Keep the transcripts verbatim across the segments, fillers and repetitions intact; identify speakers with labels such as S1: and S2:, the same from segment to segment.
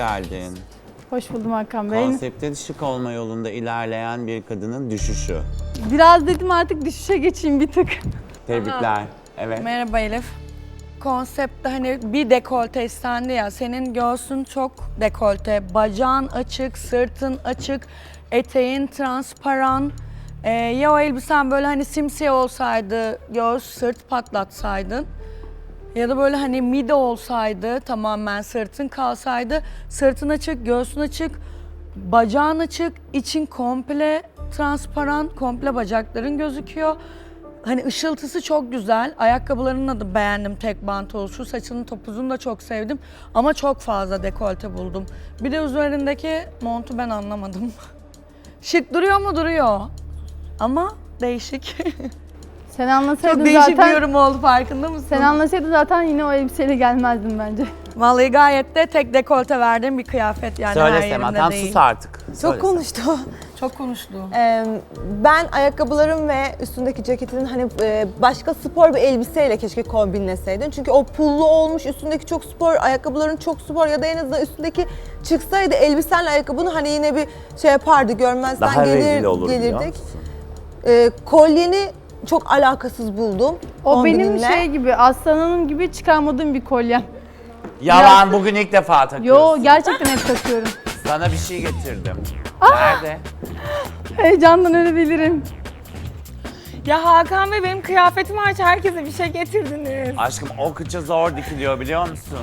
S1: geldin.
S2: Hoş buldum Hakan Bey.
S1: Konsepte şık olma yolunda ilerleyen bir kadının düşüşü.
S2: Biraz dedim artık düşüşe geçeyim bir tık.
S1: Tebrikler. Evet.
S3: Merhaba Elif. Konseptte hani bir dekolte istendi ya, senin göğsün çok dekolte, bacağın açık, sırtın açık, eteğin transparan. Ee, ya o elbisen böyle hani simsiyah olsaydı, göğüs sırt patlatsaydın. Ya da böyle hani midi olsaydı, tamamen sırtın kalsaydı, sırtın açık, göğsün açık, bacağın açık, için komple transparan, komple bacakların gözüküyor. Hani ışıltısı çok güzel. Ayakkabılarını da beğendim, tek bant oluşu. Saçının topuzunu da çok sevdim. Ama çok fazla dekolte buldum. Bir de üzerindeki montu ben anlamadım. Şık duruyor mu? Duruyor. Ama değişik.
S2: Sen anlasaydın
S3: Çok değişik
S2: zaten,
S3: bir yorum oldu, farkında mısın?
S2: sen anlasaydın zaten yine o elbiseyle gelmezdim bence.
S3: Vallahi gayet de tek dekolte verdiğim bir kıyafet yani, her
S1: Söyle Sema,
S3: yerimde
S1: tam
S3: değil.
S1: sus artık.
S4: Çok
S1: Söyle
S4: konuştu.
S3: Çok konuştu.
S4: Ee, ben ayakkabılarım ve üstündeki ceketinin hani e, başka spor bir elbiseyle keşke kombinleseydin. Çünkü o pullu olmuş, üstündeki çok spor, ayakkabıların çok spor ya da en azından üstündeki çıksaydı elbisenle ayakkabını hani yine bir şey yapardı, görmezden
S1: Daha rezil
S4: gelir,
S1: olur biliyor
S4: gelirdik.
S1: musun?
S4: Ee, kolyeni çok alakasız buldum.
S2: O benim
S4: kombininle.
S2: şey gibi, aslanım gibi çıkarmadığım bir kolyem.
S1: Yalan, bugün ilk defa takıyorsun.
S2: Yo, gerçekten hep takıyorum.
S1: Sana bir şey getirdim.
S2: Ah!
S1: Nerede?
S2: Heyecandan ölebilirim.
S3: Ya Hakan Bey, benim kıyafetim hariç herkese bir şey getirdiniz.
S1: Aşkım o kıça zor dikiliyor biliyor musun?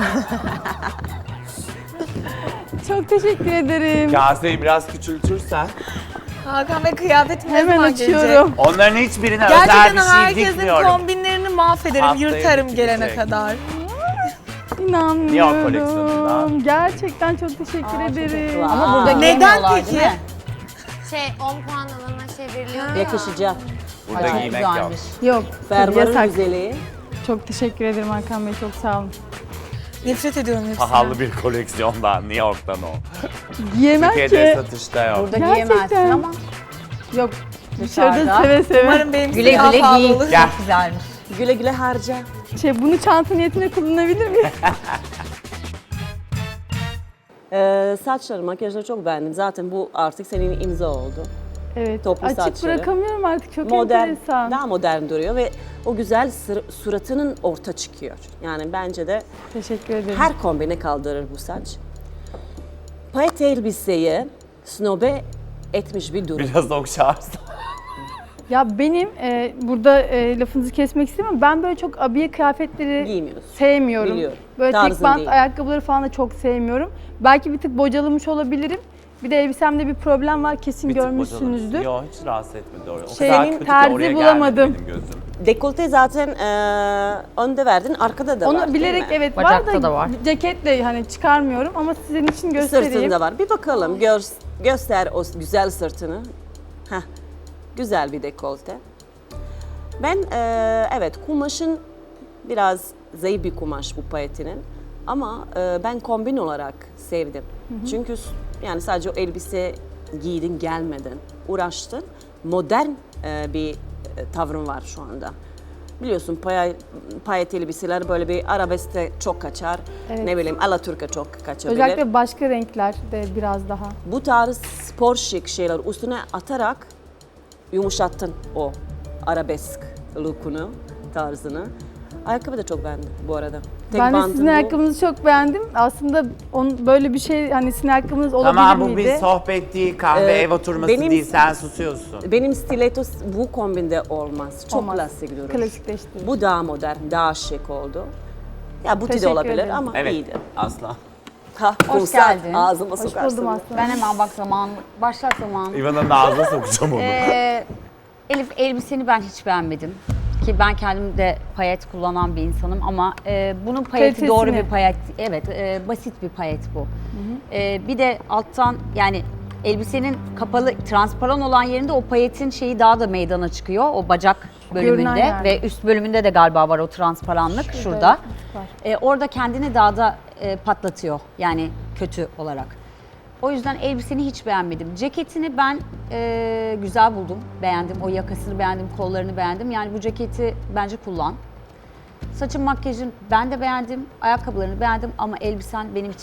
S2: Çok teşekkür ederim.
S1: Kaseyi biraz küçültürsen.
S3: Hakan Bey, kıyafetim ne
S2: Hemen
S3: zaman
S2: açıyorum.
S3: gelecek?
S1: Onların hiçbirine özel
S3: Gerçekten
S1: bir şey
S3: herkesin
S1: dikmiyorum.
S3: kombinlerini mahvederim,
S1: Haftaya
S3: yırtarım
S1: bitecek.
S3: gelene kadar.
S2: İnanmıyorum.
S1: Niye o koleksiyonunda?
S2: Gerçekten çok teşekkür ederim.
S5: Ama burada
S3: Neden
S5: giymiyorlar,
S3: peki?
S5: değil mi?
S6: Şey on puan alana çevriliyor ya.
S5: Yakışacak.
S1: Burada
S5: Ay, çok
S1: giymek yok.
S5: güzelmiş.
S2: Yok, tabii
S5: Fermuarın
S2: yasak.
S5: güzeli.
S2: Çok teşekkür ederim Hakan Bey, çok sağ olun.
S3: Nefret ediyorum hepsinden.
S1: Pahalı bir koleksiyondan, New York'tan o.
S2: Giyemem
S1: Türkiye'de
S2: ki.
S1: satışta yok.
S5: Burada
S2: Gerçekten.
S5: giyemezsin ama
S2: Yok, dışarıda
S5: Dışarıda.
S2: seve seve.
S3: Umarım benimkisi
S5: güle
S3: daha
S5: güle
S3: pahalı
S5: giy.
S3: olur.
S1: Gel.
S5: Çok güzelmiş. Güle güle harca.
S2: Şey, bunu çanta niyetine kullanabilir miyim?
S5: Ee, saçları, makyajları çok beğendim. Zaten bu artık senin imza oldu.
S2: Evet,
S5: Toplu
S2: açık
S5: saçları.
S2: bırakamıyorum artık, çok
S5: Modern,
S2: enteresan.
S5: daha modern duruyor ve o güzel sır- suratının orta çıkıyor. Yani bence de
S2: Teşekkür ederim.
S5: her kombine kaldırır bu saç. Payet elbiseyi snobe etmiş bir durum.
S1: Biraz okşarsın.
S2: Ya benim e, burada e, lafınızı kesmek istemem. Ben böyle çok abiye kıyafetleri
S5: Giymiyorsun.
S2: sevmiyorum.
S5: Biliyorum.
S2: Böyle tek
S5: Tarzın
S2: bant
S5: değil.
S2: ayakkabıları falan da çok sevmiyorum. Belki bir tık bocalamış olabilirim. Bir de elbisemde bir problem var, kesin
S1: Bir tık
S2: görmüşsünüzdür.
S1: bocaladı. Yok, hiç rahatsız etmedi oraya. O
S2: Şey,
S1: kadar kötü ki
S2: terzi
S1: oraya
S2: bulamadım.
S1: gelmedi benim gözüm.
S5: Dekolte zaten eee önde verdin, arkada da var.
S2: Onu
S5: değil
S2: bilerek
S5: mi?
S2: evet
S7: Bacakta
S2: var da,
S7: da var.
S2: ceketle hani çıkarmıyorum ama sizin için göstereyim.
S5: Sırtında var. Bir bakalım, gör, göster o güzel sırtını. Heh, güzel bir dekolte. Ben eee, evet kumaşın biraz zayıf bir kumaş bu payetinin. Ama eee, ben kombin olarak sevdim. Çünkü s- yani sadece o elbise giydin gelmedin, uğraştın. Modern eee, bir e, tavrın var şu anda. Biliyorsun paya, payet elbiseler böyle bir arabeskte çok kaçar.
S2: Evet.
S5: Ne bileyim Alaturka çok kaçabilir.
S2: Özellikle başka renkler de biraz daha.
S5: Bu tarz spor şık şeyler üstüne atarak yumuşattın o arabesk look'unu, tarzını. Ayakkabı da çok beğendim bu arada. Tek
S2: Ben de
S5: bantın
S2: sizin
S5: bu.
S2: ayakkabınızı çok beğendim. Aslında on, böyle bir şey, hani sizin ayakkabınız olabilir
S1: Tamam, bu
S2: miydi?
S1: bir sohbet değil, kahve
S5: Ee,
S1: ev oturması
S5: benim-
S1: değil, sen susuyorsun.
S5: Benim stiletto bu kombinde olmaz. Çok
S2: Olmaz.
S5: klasik durur.
S2: Klasikleşti.
S5: Bu daha modern, daha şık oldu. Ya buti de
S2: Teşekkür
S5: olabilir
S2: ederim.
S5: ama
S1: Evet,
S5: iyiydi.
S1: asla.
S5: Ha,
S7: Hoş
S5: kumsal,
S7: geldin.
S5: ağzıma
S2: Hoş
S5: sokarsın.
S2: buldum aslında.
S7: Ben hemen bak zaman, başlat zaman.
S1: İvan'ın ağzına sokacağım onu.
S7: Ee, Elif, elbiseni ben hiç beğenmedim. Ki ben kendim de payet kullanan bir insanım ama e, bunun payeti
S2: Kalitesini.
S7: doğru bir payet. Evet, e, basit bir payet bu. E, bir de alttan yani elbisenin kapalı, transparan olan yerinde o payetin şeyi daha da meydana çıkıyor. O bacak
S2: Görünen
S7: bölümünde
S2: yerde.
S7: ve üst bölümünde de galiba var o transparanlık şurada.
S2: var.
S7: E, orada kendini daha da e, patlatıyor yani kötü olarak. O yüzden elbiseni hiç beğenmedim. Ceketini ben e, güzel buldum, beğendim. O yakasını beğendim, kollarını beğendim. Yani bu ceketi bence kullan. Saçın, makyajın ben de beğendim, ayakkabılarını beğendim ama elbisen benim için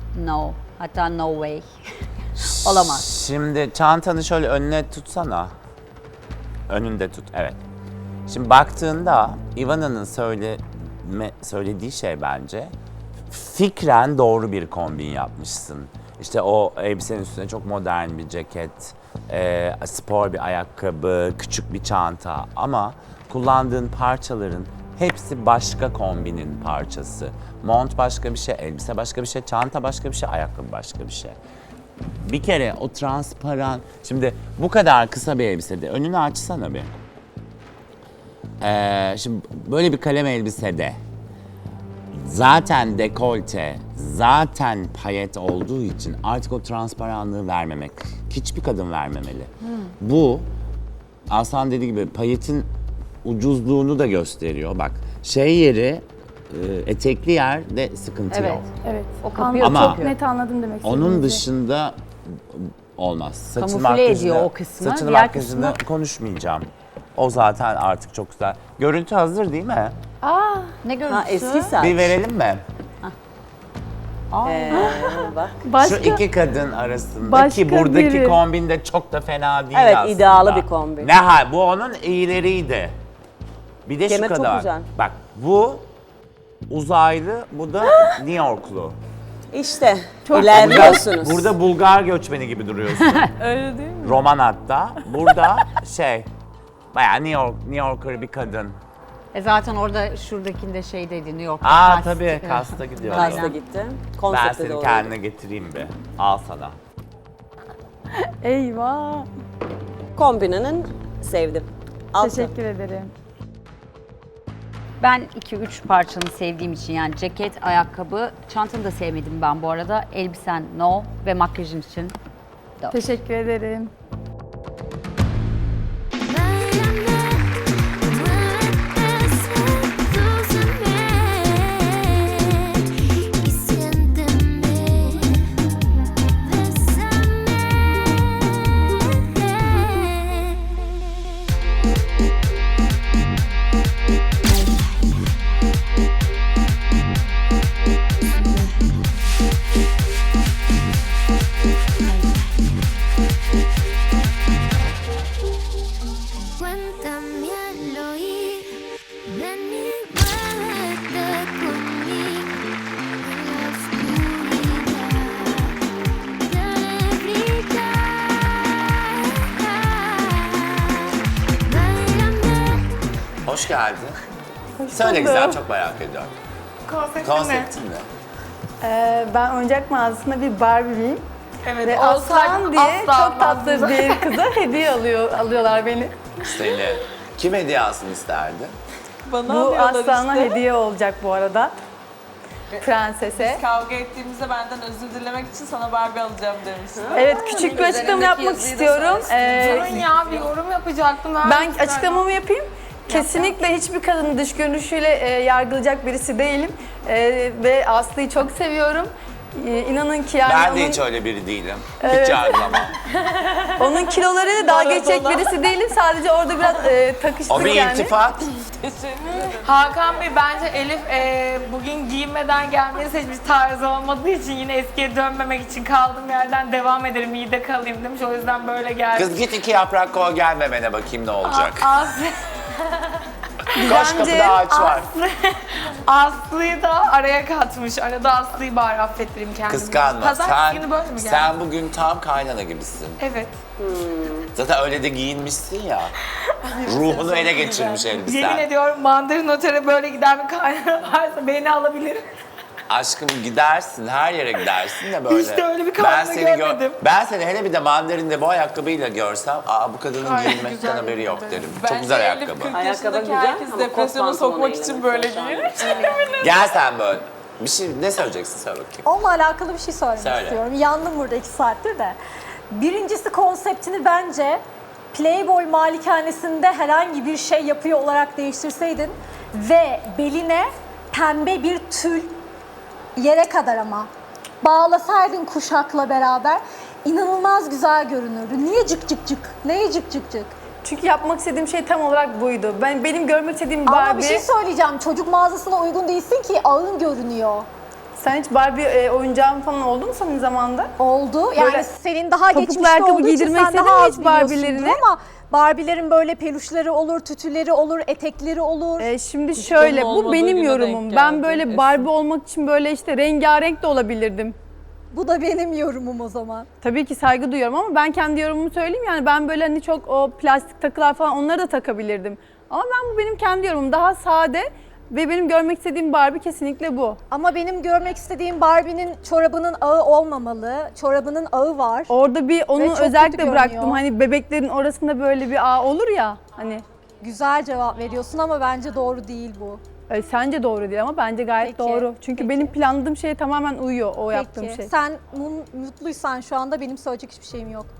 S7: no. Hatta no way. Olamaz.
S1: Şimdi çantanı şöyle önüne tutsana. Önünde tut, evet. Şimdi baktığında Ivana'nın söyleme, söylediği şey bence fikren doğru bir kombin yapmışsın. İşte o elbisenin üstüne çok modern bir ceket, e, spor bir ayakkabı, küçük bir çanta ama kullandığın parçaların hepsi başka kombinin parçası. Mont başka bir şey, elbise başka bir şey, çanta başka bir şey, ayakkabı başka bir şey. Bir kere o transparan, şimdi bu kadar kısa bir elbisede önünü açsana bir. Ee, şimdi böyle bir kalem elbisede zaten dekolte, zaten payet olduğu için artık o transparanlığı vermemek, hiçbir kadın vermemeli. Bu Aslan dediği gibi payetin ucuzluğunu da gösteriyor. Bak şey yeri, e, etekli yerde sıkıntı
S7: Evet.
S1: yok.
S2: Evet.
S7: O kapıyor,
S1: Ama-
S2: Çok net anladım demek
S1: Onun
S2: istediğinizi.
S1: dışında olmaz. Saçın
S7: Kamufle
S1: makyajını-
S7: ediyor o kısmı,
S1: Saçını
S7: diğer
S1: makyajını
S7: kısmı-
S1: konuşmayacağım. O zaten artık çok güzel. Görüntü hazır değil mi?
S7: Ne görüntüsü?
S5: Ha, eski saç.
S1: Bir verelim mi?
S5: Ee, bak.
S2: Başka,
S1: Şu iki kadın arasında
S2: başka
S1: ki buradaki
S2: biri.
S1: kombin de çok da fena değil
S5: Evet,
S1: aslında.
S5: idealı bir kombin.
S1: Ne ha, bu onun iyileriydi. Bir de
S5: Kemer
S1: şu
S5: çok
S1: kadar.
S5: güzel.
S1: Bak bu uzaylı, bu da New Yorklu.
S5: İşte
S1: Burada,
S5: ilerliyorsunuz.
S1: burada Bulgar göçmeni gibi duruyorsun.
S2: öyle değil mi?
S1: Roman hatta. Burada şey, bayağı New York, New Yorker bir kadın.
S7: E zaten orada şuradakinde şeydeydi New York'ta.
S1: Aa
S7: kast-
S1: tabii kasta gidiyor.
S5: Kasta gitti.
S1: Ben
S5: Konsepte
S1: seni
S5: doğru.
S1: kendine getireyim bir. Al sana.
S2: Eyvah.
S5: Kombininin sevdim. Altı.
S2: Teşekkür ederim.
S7: Ben iki üç parçanı sevdiğim için yani ceket, ayakkabı, çantanı da sevmedim ben bu arada. Elbisen no ve makyajın için dört.
S2: Teşekkür ederim.
S8: Y siénteme, cuéntame al oír, ven y muévete conmigo en la oscuridad, te haré brillar. Báilame.
S1: Hoş geldin. Söyle güzel, çok merak ediyorum.
S9: Konsepti
S1: Konseptin ne?
S2: Ee, ben oyuncak mağazasında bir Barbie'yim.
S9: Evet,
S2: Ve
S9: olsaydım
S2: Aslan diye
S9: asla
S2: çok tatlı
S9: almazdım.
S2: bir kıza hediye alıyor, alıyorlar beni.
S1: Seni. Kim hediye alsın isterdi?
S9: Bana
S2: Bu
S9: alıyorlar
S2: Aslan'a
S9: işte.
S2: hediye olacak bu arada. Prensese.
S9: Kavga ettiğimizde benden özür dilemek için sana Barbie alacağım demiştim.
S2: Evet, küçük bir açıklama yapmak istiyorum. Ee,
S9: Durun ya, bir yorum yapacaktım.
S2: ben açıklamamı yapayım. Kesinlikle hiçbir kadını dış görünüşüyle e, yargılayacak birisi değilim. E, ve Aslı'yı çok seviyorum. E, inanın ki yani
S1: Ben
S2: onun,
S1: de hiç öyle biri değilim.
S2: Evet.
S1: Hiç yargılamam.
S2: onun kilolarıyla dalga geçecek
S9: Maradona.
S2: birisi değilim. Sadece orada biraz e, takıştık
S1: O bir
S2: yani.
S1: iltifat.
S9: Hakan Bey, bence Elif e, bugün giyinmeden gelmeyi seçmiş, tarzı olmadığı için yine eskiye dönmemek için kaldığım yerden devam ederim, iyi de kalayım demiş. O yüzden böyle geldim.
S1: Kız git iki yaprak koy gel memene bakayım ne olacak.
S9: Aslı,
S1: Koş kapıda ağaç var.
S9: Aslı'yı da araya katmış. Arada Aslı'yı bari affettireyim kendimi.
S1: Kıskanma.
S9: Pazartesi günü
S1: Sen,
S9: böyle mi geldi?
S1: sen bugün tam kaynana gibisin.
S9: Evet.
S1: Zaten öyle de giyinmişsin ya. Ruhunu ele geçirmiş
S9: Yemin
S1: elbisen.
S9: ediyorum, Mandarin Otel'e böyle giden bir kaynana varsa beni alabilir.
S1: Aşkım gidersin, her yere gidersin de böyle.
S9: İşte öyle bir
S1: ben
S9: kadını
S1: seni gö-
S9: görmedim.
S1: Ben seni hele bir de mandarinde bu ayakkabıyla görsem, aa bu kadının
S9: Ay,
S1: giyinmekten
S9: güzel
S1: haberi yok
S9: bir
S1: derim.
S9: Bence
S1: Çok güzel
S9: Elif
S1: ayakkabı.
S9: kırk
S5: Ayakkabı
S9: yaşındaki
S5: güzel
S9: herkes
S5: ama
S9: depresyona
S5: kot
S9: sokmak
S5: pantolonuyla
S9: için böyle
S5: mesela şu an.
S9: giyinir.
S1: Gel sen böyle. Bir şey ne söyleyeceksin söyle bakayım.
S10: Onunla alakalı bir şey söylemek
S1: Söyle.
S10: istiyorum. Yandım burada iki saattir de. Birincisi, konseptini bence Playboy malikanesinde herhangi bir şey yapıyor olarak değiştirseydin ve beline pembe bir tül, yere kadar ama, bağlasaydın kuşakla beraber, inanılmaz güzel görünürdü. Niye cık cık cık? Neye cık cık cık?
S2: Çünkü yapmak istediğim şey tam olarak buydu. Ben benim görmek istediğim
S10: Ama
S2: Barbie.
S10: bir şey söyleyeceğim. Çocuk mağazasına uygun değilsin ki, ağın görünüyor.
S2: Sen hiç Barbie e, oyuncağın falan oldu mu senin zamanında?
S10: Oldu. Yani
S2: Böyle
S10: senin daha
S2: topuklu
S10: geçmişte
S2: ayakkabı
S10: olduğu için
S2: giydirmek
S10: sen
S2: istedin
S10: daha
S2: mi
S10: az
S2: hiç Barbie'lerine?
S10: biliyorsundur ama Barbie'lerin böyle peluşları olur, tütüleri olur, etekleri olur.
S2: E, şimdi şöyle, bu
S11: olmadığı
S2: benim
S11: güne
S2: yorumum.
S11: denk
S2: Ben
S11: geldi
S2: böyle
S11: Esin.
S2: Barbie olmak için böyle işte rengarenk de olabilirdim.
S10: Bu da benim yorumum o zaman.
S2: Tabii ki saygı duyuyorum ama ben kendi yorumumu söyleyeyim. Yani ben böyle hani çok o plastik takılar falan onları da takabilirdim. Ama ben bu benim kendi yorumum. Daha sade ve benim görmek istediğim Barbie kesinlikle bu.
S10: Ama benim görmek istediğim Barbie'nin çorabının ağı olmamalı. Çorabının ağı var.
S2: Orada bir onu
S10: çok kötü
S2: özellikle
S10: görünüyor.
S2: bıraktım. Hani bebeklerin orasında böyle bir ağ olur ya hani.
S10: Güzel cevap veriyorsun ama bence doğru değil bu.
S2: E, sence doğru değil ama bence gayet
S10: Peki,
S2: doğru. Çünkü
S10: peki.
S2: benim planladığım şeye tamamen uyuyor o yaptığım
S10: Peki.
S2: şey.
S10: Sen mu- mutluysan şu anda benim söyleyecek hiçbir şeyim yok.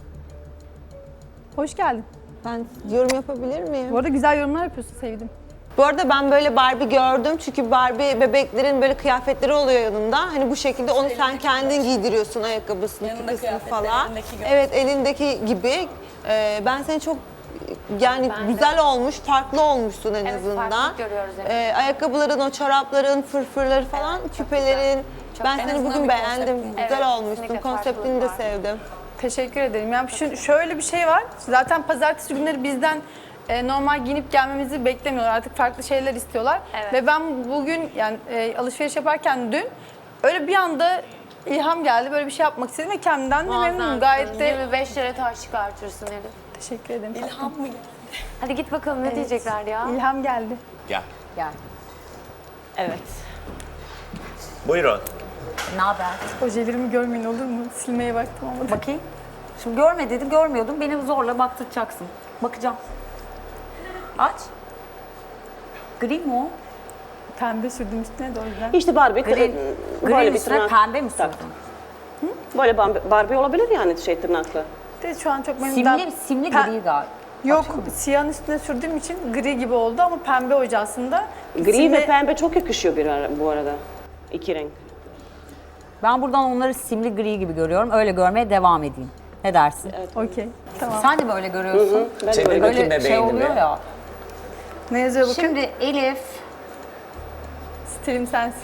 S2: Hoş geldin.
S4: Ben yorum yapabilir miyim?
S2: Bu arada güzel yorumlar yapıyorsun, sevdim.
S4: Bu arada ben böyle Barbie gördüm çünkü Barbie bebeklerin böyle kıyafetleri oluyor yanında. Hani bu şekilde onu sen kendin giydiriyorsun ayakkabısını,
S11: Yanında
S4: küpesini
S11: kıyafetleri,
S4: falan.
S11: elindeki gibi.
S4: Evet elindeki gibi. Ee, ben seni çok yani güzel olmuş, farklı olmuşsun en azından.
S6: farklılık görüyoruz, evet.
S4: Ee, ayakkabıların, o çorapların, fırfırları falan, küpelerin. Ben seni bugün beğendim. Güzel olmuşsun.
S6: kesinlikle
S4: Konseptini de
S6: farklılık var.
S4: sevdim.
S2: Teşekkür ederim. Yani şu, şöyle bir şey var. Zaten pazartesi günleri bizden e, normal giyinip gelmemizi beklemiyorlar. Artık farklı şeyler istiyorlar.
S6: Evet.
S2: Ve ben bugün yani e, alışveriş yaparken dün öyle bir anda ilham geldi. Böyle bir şey yapmak istedim ve kendimden de memnunum.
S6: Muazzamsın.
S2: Gayet de
S6: yirmi beş lira taş çıkartırsın Elif.
S2: teşekkür ederim.
S11: İlham mı?
S6: Hadi git bakalım ne diyecekler ya.
S2: İlham geldi.
S1: Gel.
S7: Yani.
S5: Evet.
S1: Buyurun.
S7: Ne haber?
S2: Ojelerimi görmeyin olur mu? Silmeye baktım ama.
S7: Bakayım. Şimdi görme dedi, görmüyordum. Beni zorla baktıracaksın. Bakacağım. Aç. Gri mi o?
S2: Pembe sürdüm üstüne de o yüzden.
S12: İşte Barbie,
S7: Gri,
S12: böyle
S7: grinin
S12: bir
S7: üstüne
S12: tırnak.
S7: pembe mi
S12: Tak.
S7: sürdün?
S12: Böyle Barbie, Barbie olabilir yani şey tırnaklı.
S2: De şu an çok memnun.
S7: Simli, simli
S2: Pe-
S7: gri galiba.
S2: Yok, siyahın üstüne sürdüğüm için gri gibi oldu ama pembe oje aslında.
S12: Gri
S2: Simli-
S12: ve pembe çok yakışıyor bir ara, bu arada. İki renk.
S7: Ben buradan onları simli gri gibi görüyorum. Öyle görmeye devam edeyim. Ne dersin?
S2: Okey, tamam.
S7: Sen de mi öyle görüyorsun?
S12: Ben de
S1: Çevir
S12: öyle.
S1: bakayım
S7: Böyle şey
S1: bebeğini
S7: oluyor
S1: bir.
S7: ya.
S2: Ne yazıyor bakın?
S7: Şimdi Elif,
S2: Stilim sensin.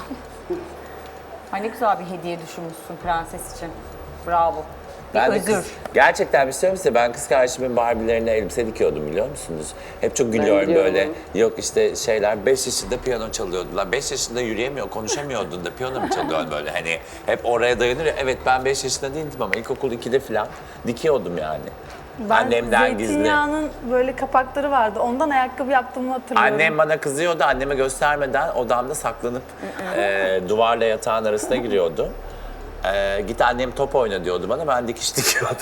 S7: ay ne güzel bir hediye düşünmüşsün prenses için. Bravo. Bir
S1: Ben de
S7: özür.
S1: kız- gerçekten bir şey söyleyeyim size. Ben kız kardeşimin Barbie'lerine elbise dikiyordum biliyor musunuz? Hep çok gülüyorum
S12: biliyorum.
S1: böyle. Yok işte şeyler beş yaşında piyano çalıyordu. Lan beş yaşında yürüyemiyor, konuşamıyordun da piyano mu çalıyorsun böyle hani. Hep oraya dayanır ya. Evet ben beş yaşında değildim ama ilkokul ikide falan dikiyordum yani.
S2: Ben
S1: Annemden gizli.
S2: zeytinyağının böyle kapakları vardı. Ondan ayakkabı yaptığımı hatırlıyorum.
S1: Annem bana kızıyordu. Anneme göstermeden odamda saklanıp e, duvarla yatağın arasına giriyordu. E, git annem top oyna diyordu bana. Ben dikiş dikiyordum.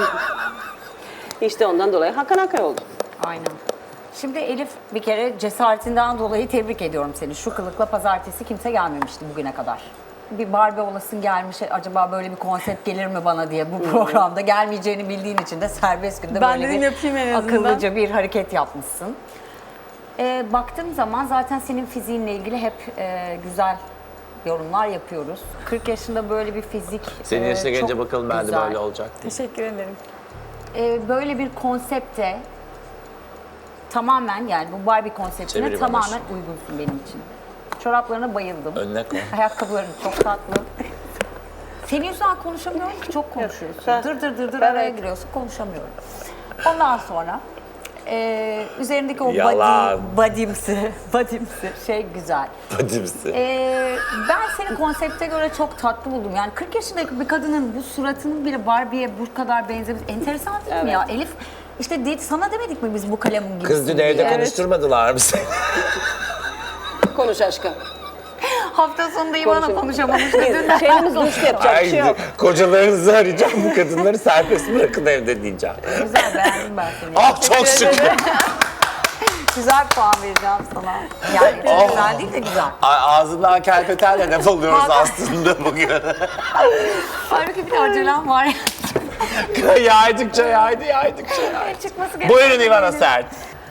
S12: İşte ondan dolayı Hakan Hakan oldu.
S7: Aynen. Şimdi Elif bir kere cesaretinden dolayı tebrik ediyorum seni. Şu kılıkla pazartesi kimse gelmemişti bugüne kadar. Bir Barbie olasın gelmiş, acaba böyle bir konsept gelir mi bana diye bu programda gelmeyeceğini bildiğin için de serbest günde
S2: Ben
S7: böyle
S2: dedim
S7: bir
S2: yapayım en azından.
S7: akıllıca bir hareket yapmışsın. Ee, baktığım zaman zaten senin fiziğinle ilgili hep e, güzel yorumlar yapıyoruz. kırk yaşında böyle bir fizik
S1: Senin
S7: e,
S1: yaşına gelince
S7: çok
S1: bakalım ben de
S7: güzel.
S1: böyle olacak diye.
S2: Teşekkür ederim.
S7: Ee, böyle bir konsepte tamamen yani bu Barbie konseptine
S1: Çeviri
S7: tamamen
S1: bana.
S7: uygunsun benim için. Çoraplarına bayıldım.
S1: Önüne koy.
S7: Ayakkabıların çok tatlı. Senin yüzünden konuşamıyorum ki çok konuşuyorsun. Dır dır dır dır araya giriyorsun konuşamıyorum. Ondan sonra e, üzerindeki o
S1: Yalan.
S7: body, bodymsi, bodymsi şey güzel.
S1: Badimsi.
S7: Ee, ben seni konsepte göre çok tatlı buldum. Yani kırk yaşındaki bir kadının bu suratının bile Barbie'ye bu kadar benzemesi enteresan değil mi ya? Elif işte de, sana demedik mi biz bu kalemin gibisin
S1: Kız dün evde
S7: diye?
S1: konuşturmadılar mı seni?
S12: Konuş aşkım.
S7: Hafta sonunda İvan'a
S12: Konuşalım.
S7: konuşamamış dedin.
S12: Şeyimiz düştü, yapacak bir şey yok.
S1: Kocalarınızı arayacağım bu kadınları serbest bırakın evde diyeceğim.
S7: Güzel beğendim ben seni.
S1: Ah çok şükür.
S7: Güzel puan vereceğim sana. Yani çok güzel değil de güzel.
S1: Ay, ağzından kelpetenle laf alıyoruz aslında bugün.
S7: Halbuki bir de acelem var.
S1: yaydıkça yaydı, yaydıkça yaydı.
S7: Çıkması gereken.
S1: Buyurun İvana Sert.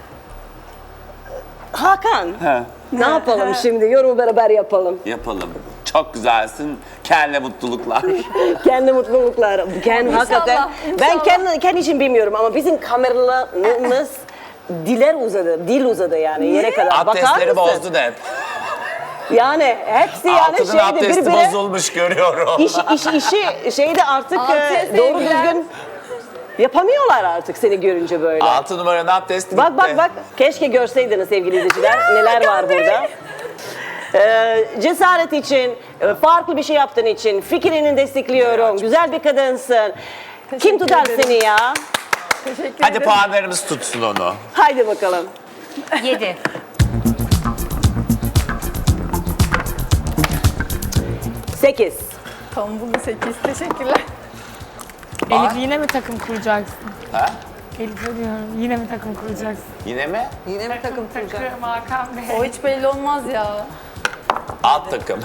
S12: Hakan, ne yapalım şimdi? Yorumu beraber yapalım.
S1: Yapalım. Çok güzelsin. Kendine mutluluklar.
S12: Kendi mutluluklar. Kendi hakikaten. Ben kendi, kendi için bilmiyorum ama bizim kameralarımız diler uzadı, dil uzadı yani yere kadar. Bakar
S1: Abdestleri
S12: mısın?
S1: bozdun hep.
S12: Yani hepsi yani
S1: Altının
S12: şeyde
S1: abdesti
S12: birbirine
S1: bozulmuş görüyorum.
S12: iş, iş, işi şeyde artık
S2: Altıya
S12: e, doğru
S2: sevgiler.
S12: düzgün yapamıyorlar artık seni görünce böyle.
S1: Altı numaranın abdesti
S12: Bak
S1: gitti.
S12: bak bak keşke görseydiniz sevgili izleyiciler neler var burada. Ee, cesaret için, e, farklı bir şey yaptığın için fikrini destekliyorum. Güzel bir kadınsın. Kim tutar
S2: ederim.
S12: seni ya?
S2: Teşekkür
S1: Hadi
S2: ederim.
S1: puanlarımız tutsun onu.
S12: Haydi bakalım.
S7: Yedi.
S12: Sekiz.
S2: Tombullu sekiz. Teşekkürler.
S9: Elif yine mi takım kuracaksın?
S1: Ha?
S9: Elif'e diyorum yine mi takım kuracaksın?
S1: Yine mi?
S4: Yine mi takım kuracak?
S9: Takım Hakan Bey.
S2: O hiç belli olmaz ya.
S1: Alt takım.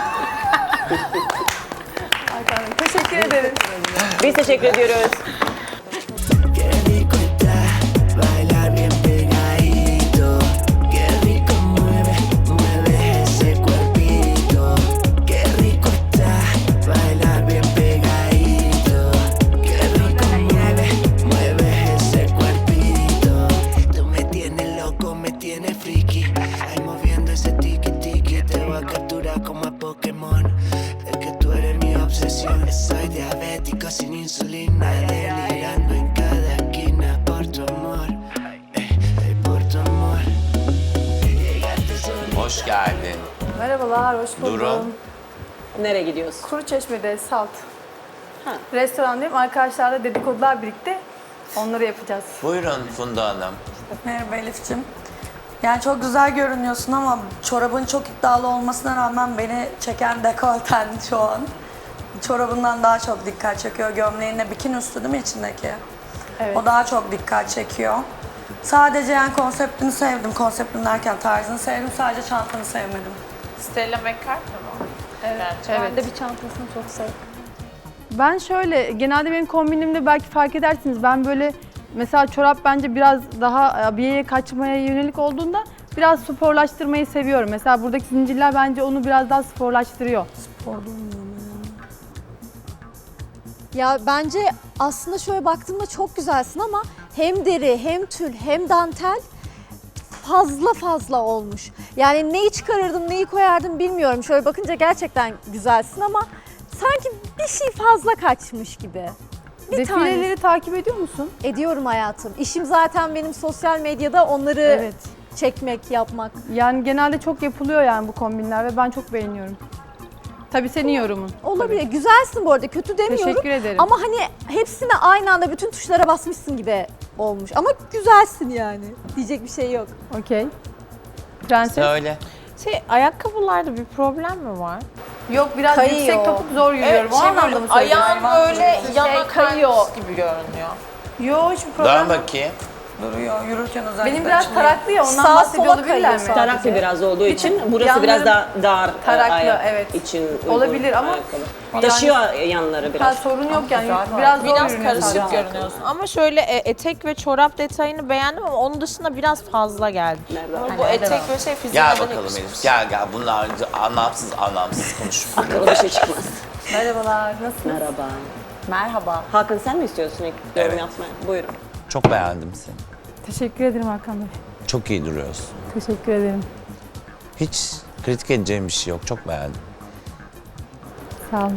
S2: Hakan Bey, teşekkür ederim.
S12: Biz teşekkür ediyoruz.
S11: Qué rico está bailar bien pegadito. Qué rico mueve, mueve ese cuerpito. Qué rico está bailar bien pegadito. Qué rico mueve, mueve ese cuerpito. Tú me tienes loco, me tienes friki. Ahí moviendo ese tiki tiki, te voy a capturar como a Pokémon. Es que tú eres mi obsesión. Soy diabético sin insulina, delirando en cada esquina por tu amor, eh, eh, por tu amor. Llegaste solo.
S1: Hoş geldin.
S2: Merhabalar, hoş buldum.
S1: Durum.
S12: Nereye gidiyoruz?
S2: Kuruçeşme'de Salt.
S12: Ha.
S2: Restorandayım. Arkadaşlarla dedikodular birlikte. Onları yapacağız.
S1: Buyurun Funda Hanım.
S3: Merhaba Elif'ciğim. Yani çok güzel görünüyorsun ama çorabın çok iddialı olmasına rağmen beni çeken dekolten şu an. Çorabından daha çok dikkat çekiyor. Gömleğinle bikini üstü değil mi içindeki?
S2: Evet.
S3: O daha çok dikkat çekiyor. Sadece yani konseptini sevdim. Konseptini derken tarzını sevdim. Sadece çantanı sevmedim.
S9: Stella McCartney mı?
S2: Evet.
S10: Ben de bir çantasını çok sevdim.
S2: Ben şöyle, genelde benim kombinimde belki fark edersiniz. Ben böyle, mesela çorap bence biraz daha abiyeye kaçmaya yönelik olduğunda biraz sporlaştırmayı seviyorum. Mesela buradaki zincirler bence onu biraz daha sporlaştırıyor.
S10: Ya bence aslında şöyle baktığımda çok güzelsin ama hem deri, hem tül, hem dantel fazla fazla olmuş. Yani neyi çıkarırdım, neyi koyardım bilmiyorum. Şöyle bakınca gerçekten güzelsin ama sanki bir şey fazla kaçmış gibi. Bir
S2: Defileleri
S10: tane
S2: takip ediyor musun?
S10: ediyorum hayatım. İşim zaten benim sosyal medyada onları
S2: Evet.
S10: çekmek, yapmak.
S2: Yani genelde çok yapılıyor yani bu kombinler ve ben çok beğeniyorum. Tabii senin yorumun.
S10: Olabilir. Güzelsin bu arada. Kötü demiyorum.
S2: Teşekkür ederim.
S10: Ama hani hepsine aynı anda bütün tuşlara basmışsın gibi olmuş. Ama güzelsin yani. Diyecek bir şey yok.
S2: Okey. Prenses.
S1: Söyle.
S9: Şey, ayakkabılarda bir problem mi var?
S2: Yok, biraz
S10: Kayıyor.
S2: yüksek topuk zor yürüyorum. o anlamda mı söylüyorsun?
S9: ayağım böyle yana
S10: Şey, kayıyor.
S9: kaymış gibi görünüyor.
S2: Yok, hiçbir problem
S1: Dön
S2: yok.
S1: bakayım.
S3: Duruyor. Yürürken özellikle
S2: Benim biraz
S3: açılıyor.
S2: taraklı ya, ondan
S10: Sağa
S2: bahsediyor
S10: sola
S2: olabilirler
S10: kayıyor
S2: mi?
S10: sadece.
S12: Taraklı biraz olduğu için burası
S2: Yanları
S12: biraz daha dar e,
S2: taraklı,
S12: ayak
S2: evet.
S12: için uygun
S2: Olabilir ama
S12: ayakkabı.
S2: yani-
S12: Taşıyor yanları
S2: Ha,
S12: biraz.
S2: sorun yok yani. Biraz zor
S9: Biraz
S2: yürünüyor
S9: karışık
S2: sadece.
S9: görünüyorsun. Ama şöyle e, etek ve çorap detayını beğendim ama onun dışında biraz fazla geldi.
S12: Nerede?
S9: Bu etek ve şey fiziğine
S1: Gel
S9: de
S1: bakalım
S9: yakışmış.
S1: Elif. Gel gel. Bunlar anlamsız anlamsız konuşuyor.
S12: Aklıma bir şey çıkmaz.
S2: Merhabalar, nasılsınız?
S12: Merhaba.
S7: Merhaba.
S12: Hakan sen mi istiyorsun ilk yorum
S1: Evet.
S12: yapmayı? Buyurun.
S1: Çok beğendim seni.
S2: Teşekkür ederim Hakan Bey.
S1: Çok iyi duruyorsun.
S2: Teşekkür ederim.
S1: Hiç kritik edeceğim bir şey yok. Çok beğendim.
S2: Sağ olun.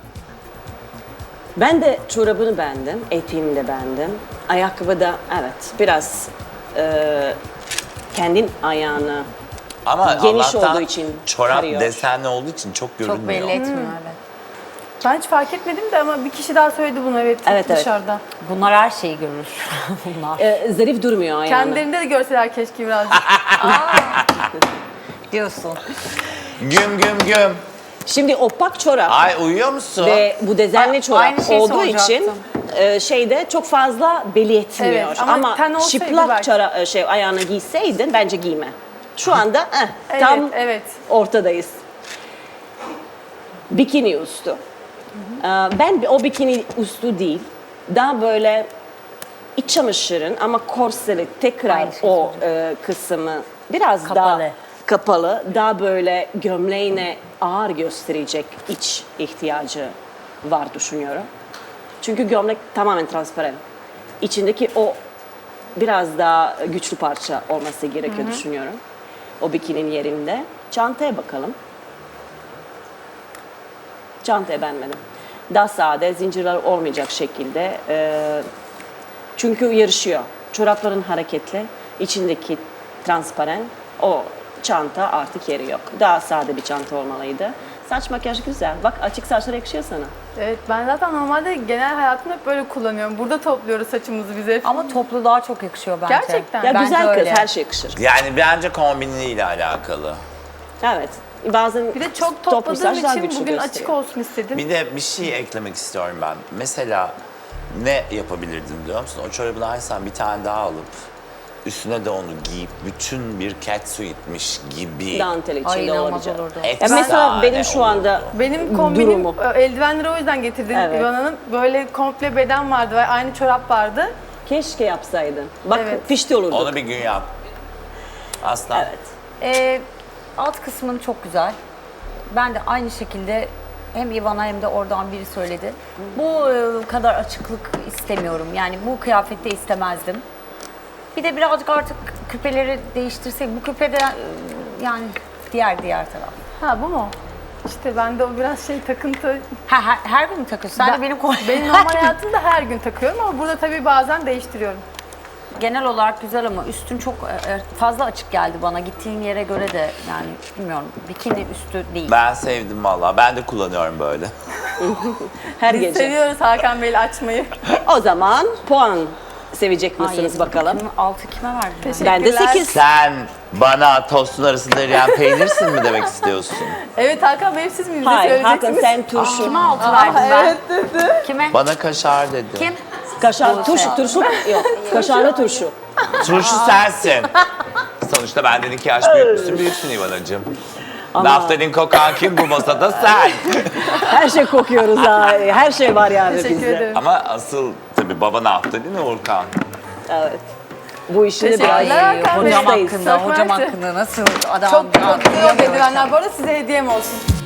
S12: Ben de çorabını beğendim, eteğini de beğendim. Ayakkabı da evet biraz e, kendin ayağını
S1: Ama
S12: Geniş
S1: Allah'tan
S12: olduğu için
S1: çorap
S12: karıyor.
S1: desenli olduğu için çok görünmüyor.
S7: Çok belli etmiyor evet.
S2: Ben hiç fark etmedim de ama bir kişi daha söyledi bunu, evet,
S12: Evet, evet.
S2: dışarıda.
S7: Bunlar her şeyi görür. Bunlar.
S12: e, zarif durmuyor ayağını.
S2: Kendilerinde de görseler keşke birazcık.
S7: Diyorsun.
S1: Güm güm güm.
S12: Şimdi opak çorap
S1: Ay uyuyor musun?
S12: ve bu dezenli
S7: A-
S12: çorap
S7: aynı şeyi
S12: olduğu
S7: soracaktım.
S12: için e, şeyde çok fazla belli etmiyor.
S2: Evet, ama ten olsaydı
S12: çıplak
S2: belki.
S12: çora, şey ayağına giyseydin bence giyme. Şu anda eh,
S2: Evet,
S12: tam
S2: evet.
S12: ortadayız. Bikini üstü. Ee, Ben o bikini üstü değil, daha böyle iç çamaşırın ama korseli tekrar
S7: Aynı şeyi
S12: o e, kısmı biraz daha
S7: Kapalı.
S12: kapalı, daha böyle gömleğine ağır gösterecek iç ihtiyacı var düşünüyorum. Çünkü gömlek tamamen transparan. İçindeki o biraz daha güçlü parça olması gerekiyor düşünüyorum. O bikininin yerinde. Çantaya bakalım. Çantayı beğenmedim. Daha sade, zincirler olmayacak şekilde. e, çünkü yarışıyor. Çorapların hareketli, içindeki transparan. O çanta artık yeri yok. Daha sade bir çanta olmalıydı. Saç makyaj güzel. Bak açık saçlar yakışıyor sana.
S2: Evet, ben zaten normalde genel hayatımda hep böyle kullanıyorum. Burada topluyoruz saçımızı biz hep.
S7: Ama toplu daha çok yakışıyor bence.
S2: Gerçekten.
S12: Ya
S7: Bence
S12: güzel kız,
S7: öyle.
S12: her şey yakışır.
S1: Yani bence kombiniyle alakalı.
S12: Evet. Bazen
S2: Bir de çok
S12: toplu
S2: topladığım
S12: saç daha
S2: için
S12: güçlü
S2: bugün
S12: gösteriyor.
S2: açık olsun istedim.
S1: Bir de bir şey eklemek istiyorum ben. Mesela ne yapabilirdim biliyor musun? O çorabını alsan bir tane daha alıp üstüne de onu giyip bütün bir catsuit'miş gibi.
S12: Dantel
S7: Ay
S12: içinde
S7: inanılmaz
S12: olacak.
S7: olurdu.
S12: Ya
S1: Efsane
S12: mesela benim şu anda
S1: olurdu.
S2: Benim kombinim
S12: Durumu.
S2: e, eldivenleri o yüzden getirdim
S12: Evet.
S2: İvan Hanım. Böyle komple beden vardı ve aynı çorap vardı.
S12: keşke yapsaydın. Bak
S2: Evet.
S12: pişti olurdu.
S1: Onu bir gün yap. Aslan.
S12: Evet.
S7: Ee, alt kısmın çok güzel. Ben de aynı şekilde hem Ivana hem de oradan biri söyledi. Bu e, kadar açıklık istemiyorum. Yani bu kıyafette istemezdim. Bir de birazcık artık küpeleri değiştirsek. Bu küpede e, yani diğer diğer taraf.
S2: Ha bu mu? İşte bende o biraz şey takıntı.
S7: Ha, her, her gün mü takıyorsun? Sen
S2: Ben-
S7: de benim kol-
S2: Benim normal hayatımda her gün takıyorum ama burada tabii bazen değiştiriyorum.
S7: Genel olarak güzel ama üstün çok e, fazla açık geldi bana. Gittiğin yere göre de yani bilmiyorum. Bikini üstü değil.
S1: Ben sevdim valla. Ben de kullanıyorum böyle.
S12: Her
S2: Biz
S12: gece.
S2: seviyoruz Hakan Bey'le açmayı.
S12: O zaman puan sevecek
S7: Ay,
S12: misiniz bakalım?
S7: Kim, altı kime verdin?
S2: Teşekkür-
S12: Ben de
S2: Teşekkürler.
S12: sekiz.
S1: Sen bana tostun arasında eriyen peynirsin mi demek istiyorsun?
S2: Evet Hakan Bey siz mi bize
S12: Hayır, Hakan
S2: söyleyeceksiniz?
S12: sen turşu.
S7: Kime altı verdin ben?
S2: Evet dedi.
S7: Kime?
S1: Bana kaşar dedi.
S7: Kim?
S12: Kaşar, turşu, turşu yok. Kaşarlı turşu.
S1: Turşu sensin. Sonuçta benden iki yaş büyüksün, büyüksün İvanacığım. Naftalin kokan kim bu masada sen.
S12: Her şey kokuyoruz ha. Her şey var yani
S2: Teşekkür
S12: bizde.
S2: ederim.
S1: Ama asıl tabii baba naftalin Uğurkan.
S12: Evet. Bu işini
S2: Teşekkürler
S12: biraz
S2: Hakan Bey.
S7: Hocam
S12: Hocam
S7: hakkında,
S2: Çok
S7: hocam
S2: mersi.
S7: hakkında nasıl adam
S2: Çok çok güzel
S7: duyamıyorum.
S2: eldivenler. Bu arada size hediyem olsun.